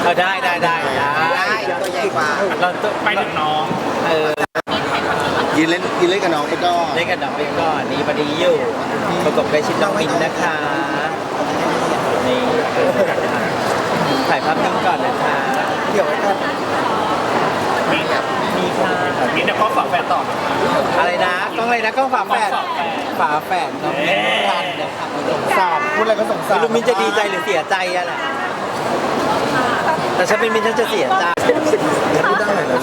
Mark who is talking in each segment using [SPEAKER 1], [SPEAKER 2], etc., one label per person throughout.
[SPEAKER 1] ได้ตัวใหญ่กว่า
[SPEAKER 2] เราไปถึงน้อง
[SPEAKER 3] ยืนเล่นกับน้องไปก่อน
[SPEAKER 1] เล่นกับน้องไปก่อนนี่พอดีอยู่ประกบใกล้ชิดน้องมินนะคะนี่ถ่ายภาพนิ่งก่อนนะคะเดี๋ยวไว้ก่อน
[SPEAKER 2] มีค่ะมีเดี๋ยวก็ฝากแฟนต่อ
[SPEAKER 1] อะไรนะกล้องอะไรนะกล้องฝาแฝดน้องมินกันนะคะ
[SPEAKER 3] สงสารพูดอะไรก็สงสาร
[SPEAKER 1] ลูกมินจะดีใจหรือเสียใจอะแหละแต่ฉันเป็นมินฉันจะเสียใจ
[SPEAKER 3] พูดได้เลยนะ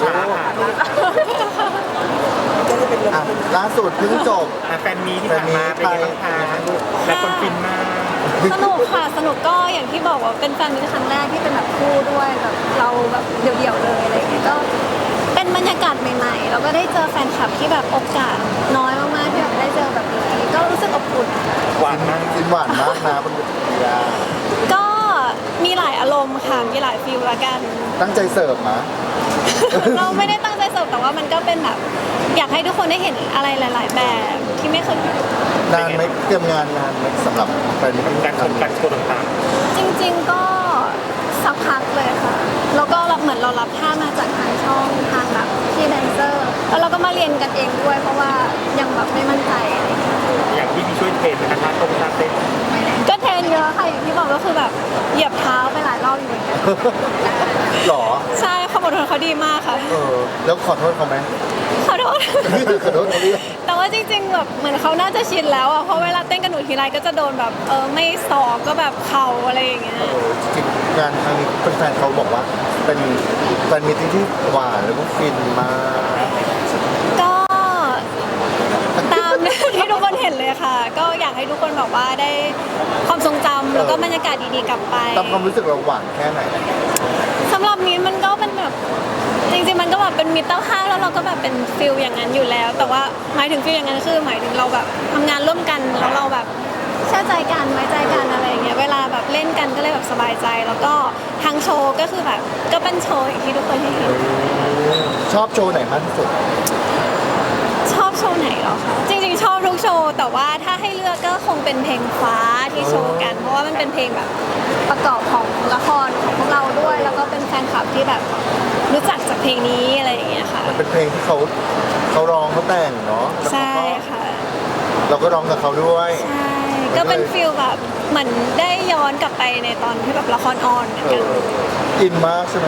[SPEAKER 3] ล่าสุดเพิ่งจบ
[SPEAKER 2] แฟนมีที่ผ่านมาเป็นยังไงบ้างคะและคนฟินมาก
[SPEAKER 4] สนุกค่ะสนุกก็อย่างที่บอกว่าเป็นแฟนมีครั้งแรกที่เป็นแบบคู่ด้วยแบบเราแบบเดี่ยวๆเลยอะไรอย่างเงี้ยก็เป็นบรรยากาศใหม่ๆแล้วก็ได้เจอแฟนคลับที่แบบโอกาสน้อยมากๆที่แบบได้เจอแบบนี้ก็รู้สึกอบอุ่น
[SPEAKER 3] หวานมากจริงหวานมากนะบนเวที
[SPEAKER 4] ก็มีหลายอารมณ์ค่ะมีหลายฟีลละกัน
[SPEAKER 3] ตั้งใจเสิร์ฟนะ
[SPEAKER 4] เราไม่ได้ตั้งใจเสิร์ฟแต่ว่ามันก็เป็นแบบอยากให้ทุกคนได้เห็นอะไรหลายๆแบบที่ไม่เคย
[SPEAKER 3] นานไหมเตรียมงานนานไหมสำหรับแฟน
[SPEAKER 2] การชมการโชว์ต่าง
[SPEAKER 4] ๆจริงๆก็สักพักเลยค่ะแล้วก็เหมือนเรารับท่ามาจากทางช่องทางแบบที่แดนเซอร์แล้วเราก็มาเรียนกันเองด้วยเพราะว่ายังแบบไม่มั่นใจ
[SPEAKER 2] อย่างที่มีช่วยเทรนนะคะท่าเต้น
[SPEAKER 4] ก็เทรนเยอะค่ะอย่างที่บอกก็คือแบบเหยียบเท้าไปหลายรอบอยู่เหมือนกัน
[SPEAKER 3] หรอ
[SPEAKER 4] ใช่ความอดทนเขาดีมากค่ะ
[SPEAKER 3] แล้วขอโทษเขาไหม
[SPEAKER 4] ขอโทษแต่ว่าจริงๆแบบเหมือนเขาน่าจะชินแล้วอ่ะเพราะเวลาเต้นกับหนูทีไรก็จะโดนแบบไม่สอกก็แบบเข่าอะไรอย่างเงี้ย
[SPEAKER 3] จริงงานครั้งนี้แฟนเขาบอกว่าเป็นแฟนมิตรที่หวานแล้วก็ฟินมาก
[SPEAKER 4] ก็ตามที่ทุกคนเห็นเลยค่ะก็อยากให้ทุกคนแบบว่าได้ความทรงจำแล้วก็บรรยากาศดีๆกลับไป
[SPEAKER 3] ตามความรู้สึกเราหวานแค่ไหน
[SPEAKER 4] สำหรับมิ้นมันก็เป็นแบบจริงๆมันก็แบบเป็นมิตรภาพแล้วเราก็แบบเป็นฟิลอย่างนั้นอยู่แล้วแต่ว่าหมายถึงฟิลอย่างนั้นคือหมายถึงเราแบบทำงานร่วมกันแล้วเราแบบเชื่อใจกันไว้ใจกันอะไรอย่างเงี้ยเวลาแบบเล่นกันก็เลยแบบสบายใจแล้วก็ทางโชว์ก็คือแบบก็เป็นโชว์อย่างที่ทุกคนเห็น
[SPEAKER 3] ชอบโชว์ไหนมากที่สุด
[SPEAKER 4] ชอบโชว์ไหนหรอคะจริงๆชอบทุกโชว์แต่ว่าถ้าให้เลือกก็คงเป็นเพลงฟ้าที่โชว์กันเพราะว่ามันเป็นเพลงแบบประกอบของละครของพวกเราด้วยแล้วก็เป็นแฟนคลับที่แบบรู้จักจากเพลงนี้อะไรอย่างเงี้ยค่ะ
[SPEAKER 3] มันเป็นเพลงที่เขาร้องเขาแต่งเนาะ
[SPEAKER 4] ใช่ค่ะ
[SPEAKER 3] เราก็ร้องกับเขาด้วย
[SPEAKER 4] ใช่ก็เป็นฟีลแบบเหมือนได้ย้อนกลับไปในตอนที่แบบละครออนเหมือนกัน
[SPEAKER 3] อินมากใช่ไหม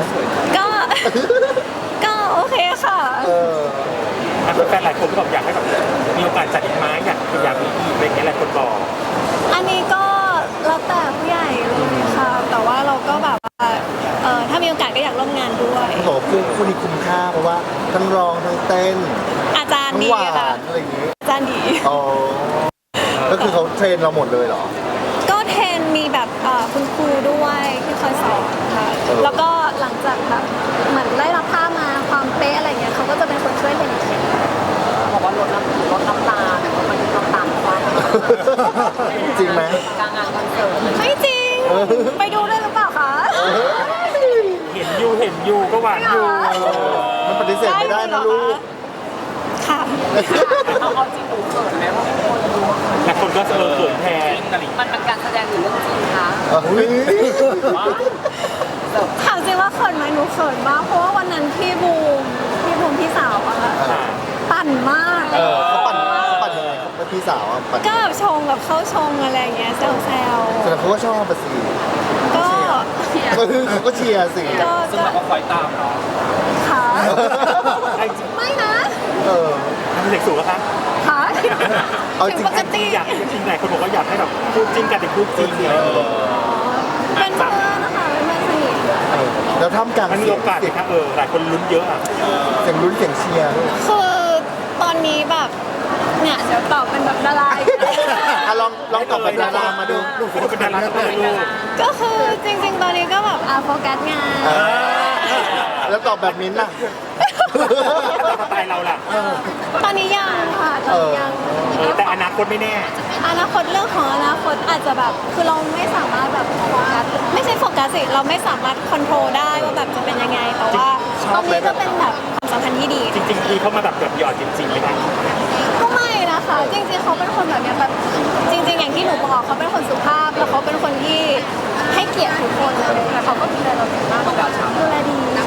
[SPEAKER 4] ก็โอเคค่ะ
[SPEAKER 2] แฟนหลายคนก็บอกอยากให้แบบมีโอกาสจัดอีกไหมอยากมีอีกอะไรเงี้ยหลายคนบอก
[SPEAKER 4] อันนี้ก็แล้วแต่ผู้ใหญ่เลยค่ะแต่ว่าเราก็แบบว่าถ้ามีโอกาสก็อยากร่วมงานด้วย
[SPEAKER 3] เขาบอกคู่นี้คุ้มค่าเพราะว่าทั้งร้องทั้งเต้น
[SPEAKER 4] อาจารย์ดีค่ะ
[SPEAKER 3] อะไรอย่างงี้
[SPEAKER 4] อาจารย์ดี
[SPEAKER 3] อ๋อก็คือเขาเทรนเราหมดเลยเหรอ
[SPEAKER 4] ก็เทรนมีแบบคุณครูด้วยที่คอยสอนค่ะแล้วก็หลังจากแบบเหมือนได้รับท่ามาความเป๊ะอะไรเงี้ยเขาก็จะเป็นคนช่วยเทรน
[SPEAKER 1] บอกว่าลดน้ำตาแต่ว่ามันน้ำตาลกว่า
[SPEAKER 3] จริงไหม
[SPEAKER 1] กลางงานคอนเสิร์ต
[SPEAKER 4] ไม่จริงไปดูได้หรือเปล่าคะ
[SPEAKER 2] เห็นอยู่ก็หวานอยู่
[SPEAKER 3] มันปฏิเสธไม่ได้นะลูก
[SPEAKER 4] ค่ะ
[SPEAKER 1] เอาจริงหนูเขินไหมว่าคนดู
[SPEAKER 2] แต่คนก็เขินแทน
[SPEAKER 1] มันเป็นการแสดงหรือเรื่องจริงคะ
[SPEAKER 4] ถามจริงว่าเขินไหมหนูเขินมากเพราะว่าวันนั้นพี่บูมพี่สาวอะค่ะปั่นมาก
[SPEAKER 3] เขาปั่นยังไงครับพี่สาวปั่น
[SPEAKER 4] ก็แบบชงแบบเข้าชงอะไรอย่างเงี้ยแซว
[SPEAKER 3] แต่เขาก็ชอบสิ
[SPEAKER 4] ก็
[SPEAKER 3] เขาก็เชียร์สิ
[SPEAKER 1] ซึ่งเราก็คอยตามเนาะ
[SPEAKER 4] ค่ะไม่นะ
[SPEAKER 2] ทำเด็กสูงแล้วคะ
[SPEAKER 4] ค่ะ
[SPEAKER 3] เอาจริง
[SPEAKER 2] อยากจริงไหนคนบอกว่าอยากให้แบบพูดจริงกันแต่พูดจริงเลย
[SPEAKER 4] เป็นเพื่อนนะคะเป็นเพื่อนสนิท
[SPEAKER 3] แล้วท่ามกลาง
[SPEAKER 2] มันมีโอกาสครับหลายคนลุ้นเยอะ
[SPEAKER 3] เสียงลุ้นเสียงเชียร์
[SPEAKER 4] คือตอนนี้แบบเนี่ยเดี๋ยวตอบเป็นแบบดารา
[SPEAKER 3] ลองตอบแบบดารามาดู
[SPEAKER 2] เป็นดารา
[SPEAKER 4] ก็คือจริงๆตอนนี้ก็แบบโฟกัสงาน
[SPEAKER 3] แล้วตอบแบบมิ้นท์ล่ะ
[SPEAKER 2] สไตล์เราล่ะ
[SPEAKER 4] ตอนนี้ยังค่ะตอนนี้ยัง
[SPEAKER 2] แต่อนาคตไม่แน่
[SPEAKER 4] อนาคตเรื่องของอนาคตอาจจะแบบคือเราไม่สามารถแบบโฟกัสไม่ใช่โฟกัสสิเราไม่สามารถควบคุมได้ว่าแบบจะเป็นยังไงแต่ว่าตอนนี้ก็เป็นแบบความสัมพันธ์ที่ดี
[SPEAKER 2] จริงๆที่เขามาแบบหยอดจริงๆไหมคะ
[SPEAKER 4] ก็ไม่นะคะจริงๆเขาเป็นคนแบบนี้แบบจริงๆอย่างที่หนูบอกเขาเป็นคนสุภาพแล้วเขาเป็นคนที่ให้เกียรติทุกคนเลยแต่เขาก็ดูแลเราดีมาก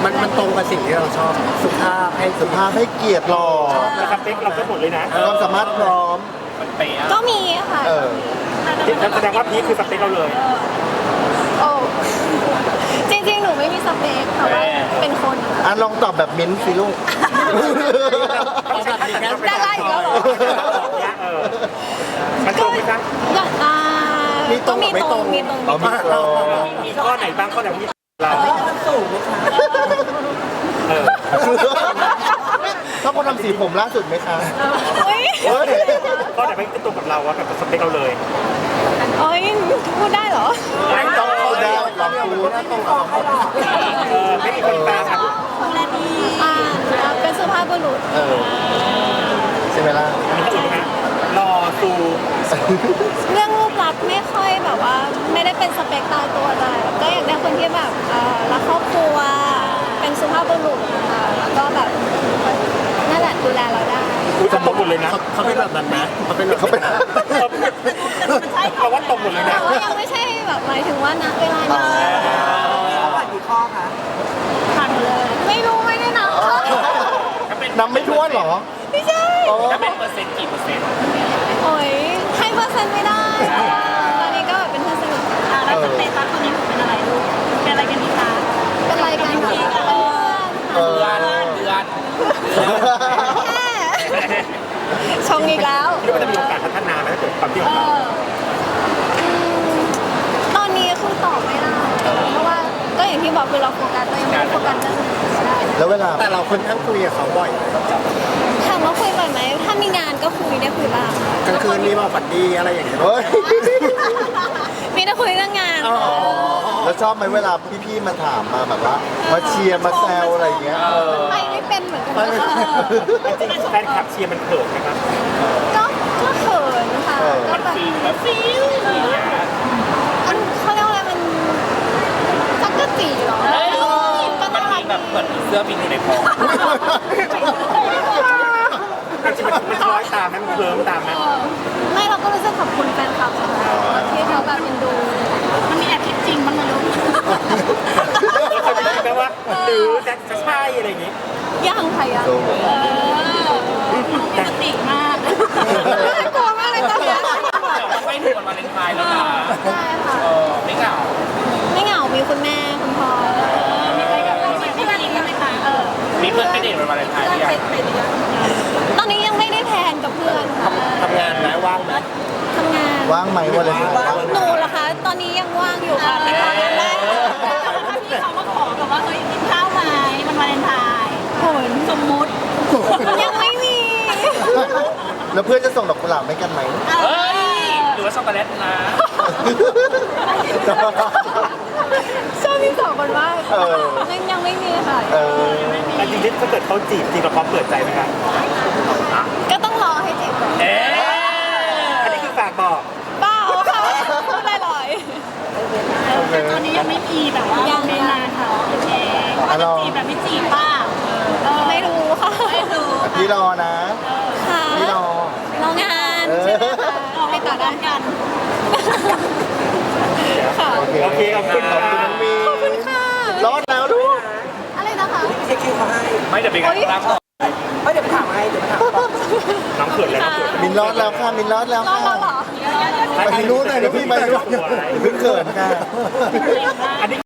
[SPEAKER 5] มันตรงกับสิ่งที่เราชอบสุภาพให้
[SPEAKER 3] สุภาพให้เกียรติหล่อ
[SPEAKER 2] แล้วสเปคเราก็หมดเลยนะ
[SPEAKER 3] ความสามารถพร้อม
[SPEAKER 4] ก็มีค่ะ
[SPEAKER 3] เออ
[SPEAKER 2] แสดงว่าพีคคือสเปคเราเลย
[SPEAKER 4] โอ้จริงๆ หนูไม่มีสเปคแต่ว่าเป็นคนค่ะ
[SPEAKER 3] อ่ะลองตอบแบบมิ้นท์สิลูก
[SPEAKER 4] ดาราอีกแล้วเหรอ
[SPEAKER 2] มันตรงไหมจ๊ะ
[SPEAKER 4] อย่างก็มีตรงมีตรง
[SPEAKER 3] เอามีตรง
[SPEAKER 2] มีข้อไหนบ้างข้อไหนที่เราเออ
[SPEAKER 3] ชอบคนทำสีผมล่าสุดไหมคะ
[SPEAKER 4] เฮ้ย
[SPEAKER 3] เฮ้ย
[SPEAKER 2] ข้อไหนไม่ตรงกับเราอะแบบสเปคเราเลย
[SPEAKER 4] โอ้ยพูดได้เหรอ
[SPEAKER 2] ไม่ตรง
[SPEAKER 3] พูดได้ลองพูด
[SPEAKER 2] ไม่มีคนกลางครับ
[SPEAKER 4] เป็นสุภาพบุรุษ
[SPEAKER 3] เออใช่ไหมล่ะ
[SPEAKER 2] มีคนอื่นไหมรอซู
[SPEAKER 4] เรื่องรูปลักษณ์ไม่ค่อยแบบว่า ไม่ได้เป็นสเปคตายตัวเลยก็อยากได้คนที่แบบรักครอบครัว เป็นสุภาพบุรุษค่ะแล้วก็แบบนั่นแหละดูแลเราได้
[SPEAKER 2] อุ้ยตรงหมดเลยนะ
[SPEAKER 5] เขาเป็นแบบนั้นนะเขาเป็นแบบ
[SPEAKER 3] เขาเป็น
[SPEAKER 2] เราว่าตรงหมดเลยนะ
[SPEAKER 4] แต่ว่ายังไม่ใช่แบบหมายถึงว่าณเวลานี้ผ่านเลย ไม่รู้ไม่ได้นับค่ะ
[SPEAKER 3] นับไม่ถ้วนเหรอ
[SPEAKER 4] ไม่ใช่
[SPEAKER 3] โอ้
[SPEAKER 2] เป็นเปอร์เซ็นต์กี่เปอร์เซ็นต์
[SPEAKER 4] โอ้ยให้เปอร์เซ็นต์ไม่ได้ตอนนี้ก็แบบเป็นเพื่อนสนิทกัน
[SPEAKER 6] แล้วสเตตัสตอนนี้หนูเป็นอะไรลูกเป็นอะไรกันดีคะ
[SPEAKER 4] เป็นรายการที่
[SPEAKER 3] เออ
[SPEAKER 4] แค่ชงอีกแล้ว
[SPEAKER 2] คิดว่าจะมีโอกาสพัฒนาไหมถ้าเกิดความที่ของเรา
[SPEAKER 4] ตอนนี้คือตอบไม่ได้ เพราะว่าก็อย่างที่บอกคือเราโฟกัสเรายังไม่ได้โฟกัสเรื่องอื่นใช่
[SPEAKER 3] แล้วเวลา
[SPEAKER 5] แต่เราค่อนข้างคุยกับเขาบ่อย
[SPEAKER 4] ถามว่าคุยบ่อยไหม ถ้ามีงานก็คุยได้คุยบ้าง
[SPEAKER 5] กลางคืนมีมาฝันดีอะไรอย่างเงี้ย
[SPEAKER 3] เฮ้ย
[SPEAKER 4] มีแต่คุยเรื่องงาน
[SPEAKER 3] แล้วชอบไหมเวลาพี่ๆมาถามมาแบบว่า มาเชียร์มาแซวอะไรอย่างเงี้ย
[SPEAKER 4] ไปไม่เป็นเหมือนกันนะคะ
[SPEAKER 2] จริงๆแฟนคลับเชียร์มันเขินนะครับ
[SPEAKER 4] ก็เขินค่ะก็แบบฟิลมันเขาเรียกว่าอะไรมันจักกะจีเหรอก็น่ารักแบบเหมือน
[SPEAKER 2] เสื้อบินอยู่ในคอจริงๆมันคล้อยตามไหมมันเคลิ้มตามไหม
[SPEAKER 4] ไม่เราก็รู้สึกขอบคุณแฟนคลับค่ะที่เขาแบบเอ็นดู
[SPEAKER 6] มันมีแอบคิดจริงบ้างไหมลูก
[SPEAKER 2] เขาจะคิดไหมว่าหรือจะใช่อะไรอย่างงี้
[SPEAKER 4] ยังค่ะยัง
[SPEAKER 6] ปกติมาก
[SPEAKER 4] น่ากลัวมากเลยตอนเนี้ย
[SPEAKER 2] ไม่ถึงวันวาเลนไทน์แล้วนะ
[SPEAKER 4] ใช่ค่ะ
[SPEAKER 2] ไม่เหงา
[SPEAKER 4] ไม่เหงา มีคุณแม่คุณพ่อ
[SPEAKER 6] มีอะไรกับเราที่บ้านอีกไหมคะ
[SPEAKER 2] มีเพื่อนไปเดทวันวาเลนไทน์หรือยัง
[SPEAKER 4] ตอนนี้ยังไม่ได้แพลนกับเพื่อนค่ะ
[SPEAKER 2] ทำงานไหมว่างไหม
[SPEAKER 4] ทำงาน
[SPEAKER 3] ว่างไหมวันเลยว่าง
[SPEAKER 4] หนูเหรอคะ ตอนนี้ยังว่างอยู่ค่ะติดต่องานได้
[SPEAKER 6] ถ้าพี่เขามาขอแบบว่าเฮ้ยกินข้าวไหมมันวาเลนไทน์
[SPEAKER 4] ผล
[SPEAKER 6] สมมุติ
[SPEAKER 4] ยังไม่มี
[SPEAKER 3] แล้วเพื่อนจะส่งดอกกุหลาบให้กันไหม
[SPEAKER 2] เฮ้ยหรือว่าช็อกโกแลตนะ
[SPEAKER 4] ชอบพี่สองคนมาก
[SPEAKER 3] เออ
[SPEAKER 4] ยังไม่มีค่ะ
[SPEAKER 3] เออ
[SPEAKER 2] แต่จริงๆถ้าเกิดเขาจีบจริงเราพร้อมเปิดใจไหมครับ
[SPEAKER 4] ก็ต้องรอให้จีบก่อน
[SPEAKER 2] อันนี้คือฝากบอก
[SPEAKER 4] เปล่าค่ะพูดลอย
[SPEAKER 6] แต่ตอนนี้ยังไม่มีแบบว่าไม่นานค่ะโอเคว่าจะจีบแบบไม่จีบป้า
[SPEAKER 4] ๆไม่รู้ค่ะ
[SPEAKER 6] ไม่รู้
[SPEAKER 3] พี่รอนะ
[SPEAKER 4] ค่ะ
[SPEAKER 3] พี่รอ
[SPEAKER 4] รองานใช่ไหมคะไปต่อได้กันค่ะ
[SPEAKER 3] โอเค
[SPEAKER 2] โอเคขอบคุณ
[SPEAKER 3] ขอบคุณน้องมี
[SPEAKER 4] ขอบคุณค่ะ
[SPEAKER 3] รอดแล้วลูก
[SPEAKER 4] อะไรนะคะ
[SPEAKER 2] ไม่เดี๋ยวไปกันครับน้องเขินแล้วน้องเขิน
[SPEAKER 3] มินรอดแล้วค่ะ มินรอดแล้ว
[SPEAKER 4] รอ
[SPEAKER 3] ค่ะ
[SPEAKER 4] เราเหรอ
[SPEAKER 3] ไปนู้นหน่อยนะพี่ไปนู้นอย่าเพิ่งเขินค่ะ
[SPEAKER 2] อันนี้